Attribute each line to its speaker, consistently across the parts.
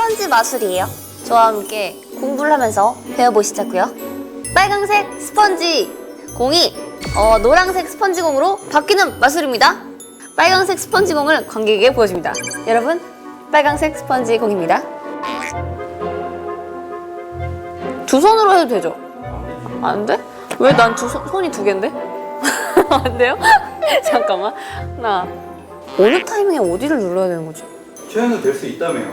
Speaker 1: 스펀지 마술이에요. 저와 함께 공부를 하면서 배워보시자고요. 빨강색 스펀지 공이 노란색 스펀지 공으로 바뀌는 마술입니다. 빨강색 스펀지 공을 관객에게 보여줍니다. 여러분, 빨강색 스펀지 공입니다. 두 손으로 해도 되죠? 안 돼? 왜 난 손이 두 개인데? 안 돼요? 잠깐만. 하나. 어느 타이밍에 어디를 눌러야 되는 거지?
Speaker 2: 최연은 될 수 있다며요.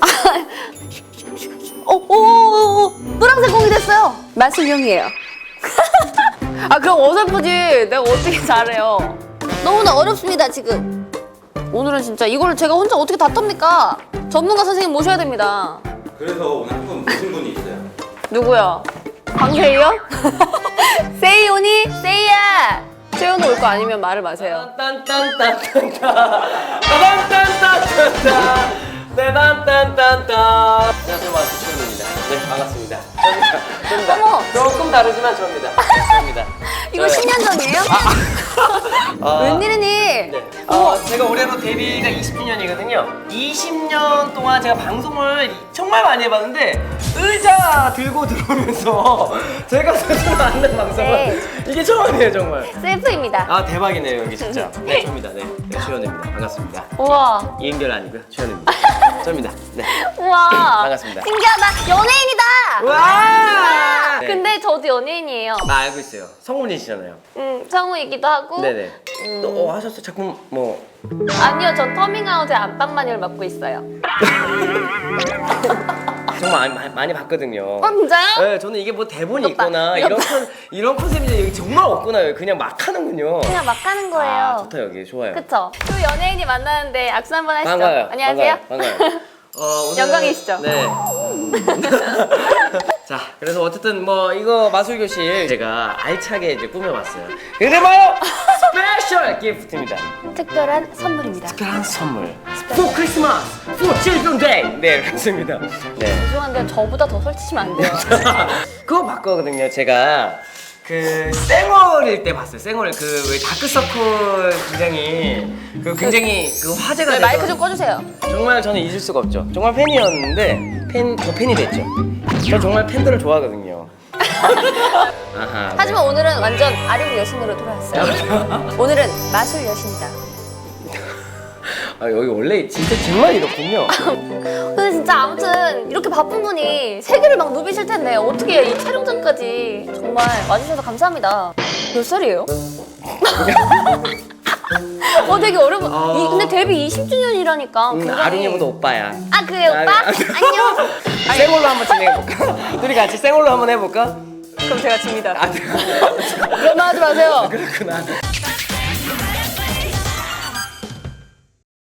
Speaker 1: 노란색 공이 됐어요. 마술용이에요. 아, 그럼 어설프지. 내가 어떻게 잘해요. 너무나 어렵습니다, 지금. 오늘은 진짜 이걸 제가 혼자 어떻게 다 텁니까? 전문가 선생님 모셔야 됩니다.
Speaker 2: 그래서 오늘 한 분 모신 분이 있어요.
Speaker 1: 누구야? 강세희요? 세희오니? 세희야! 최연우 올 거 아니면 말을 마세요.
Speaker 3: 안녕하세요, 마술 최현우입니다. 네, 반갑습니다. 저입니다.
Speaker 1: 어머!
Speaker 3: 조금 다르지만 저입니다. 저입니다.
Speaker 1: 이거 10년 전이에요? 웬일이니?
Speaker 3: 네. 제가 올해로 데뷔가 20주년이거든요. 20년 동안 제가 방송을 정말 많이 해봤는데 의자 들고 들어오면서 제가 스스로 앉는 방송은
Speaker 1: 네.
Speaker 3: 이게 처음이에요, 정말.
Speaker 1: 셀프입니다.
Speaker 3: 아, 대박이네요, 여기 진짜. 네, 저입니다. 네, 최현우입니다. 반갑습니다.
Speaker 1: 우와.
Speaker 3: 이은결 아니고요, 최현우입니다. 저입니다. 네.
Speaker 1: 우와.
Speaker 3: 반갑습니다.
Speaker 1: 신기하다. 연예인이다.
Speaker 3: 와! 네.
Speaker 1: 근데 저도 연예인이에요.
Speaker 3: 나 알고 있어요. 성훈이시잖아요.
Speaker 1: 성우이기도 하고.
Speaker 3: 네네. 또 하셨어? 작품 뭐?
Speaker 1: 아니요, 저 터밍아웃의 안방마녀를 맡고 있어요.
Speaker 3: 정말 많이 봤거든요.
Speaker 1: 진짜요?
Speaker 3: 네, 저는 이게 뭐 대본이
Speaker 1: 이것 봐,
Speaker 3: 있거나
Speaker 1: 이것
Speaker 3: 이런 컨셉이 여기 정말 없구나. 그냥 막 하는군요.
Speaker 1: 그냥 막 하는 거예요.
Speaker 3: 아, 좋다 여기 좋아요.
Speaker 1: 그쵸? 또 연예인이 만나는데 악수 한번 하시죠.
Speaker 3: 반가워요.
Speaker 1: 안녕하세요.
Speaker 3: 반가워요. 오늘
Speaker 1: 영광이시죠?
Speaker 3: 네. 자, 그래서 어쨌든 뭐 이거 마술 교실 제가 알차게 이제 꾸며봤어요. 근데 바로 스페셜 기프트입니다.
Speaker 1: 특별한 선물입니다.
Speaker 3: 특별한 선물. For Christmas, for Children's Day. 네, 그렇습니다. 네.
Speaker 1: 죄송한데 저보다 더 설치시면 안 돼요.
Speaker 3: 그거 봤거든요. 제가 그 쌩얼일 때 봤어요. 쌩얼 그 왜 다크서클 굉장히 그 화제가
Speaker 1: 네,
Speaker 3: 되던
Speaker 1: 마이크 좀 꺼주세요.
Speaker 3: 정말 저는 잊을 수가 없죠. 정말 팬이었는데 더 팬이 됐죠. 저 정말 팬들을 좋아하거든요. 아하, 네.
Speaker 1: 하지만 오늘은 완전 아령 여신으로 돌아왔어요. 오늘은 마술 여신이다.
Speaker 3: 아, 여기 원래 진짜 정말 이렇군요.
Speaker 1: 근데 진짜 아무튼 이렇게 바쁜 분이 세계를 막 누비실 텐데 어떻게 이 촬영장까지 정말 와주셔서 감사합니다. 몇 살이에요? 되게 어려워. 근데 데뷔 20주년이라니까.
Speaker 3: 아lun이보다 오빠야.
Speaker 1: 아, 그래 오빠? 안녕.
Speaker 3: 쌩얼로 한번 진행해볼까? 둘이 같이 쌩얼로 한번 해볼까?
Speaker 1: 그럼 제가 집니다.
Speaker 3: 아,
Speaker 1: 그런 말 하지 마세요.
Speaker 3: 그렇구나.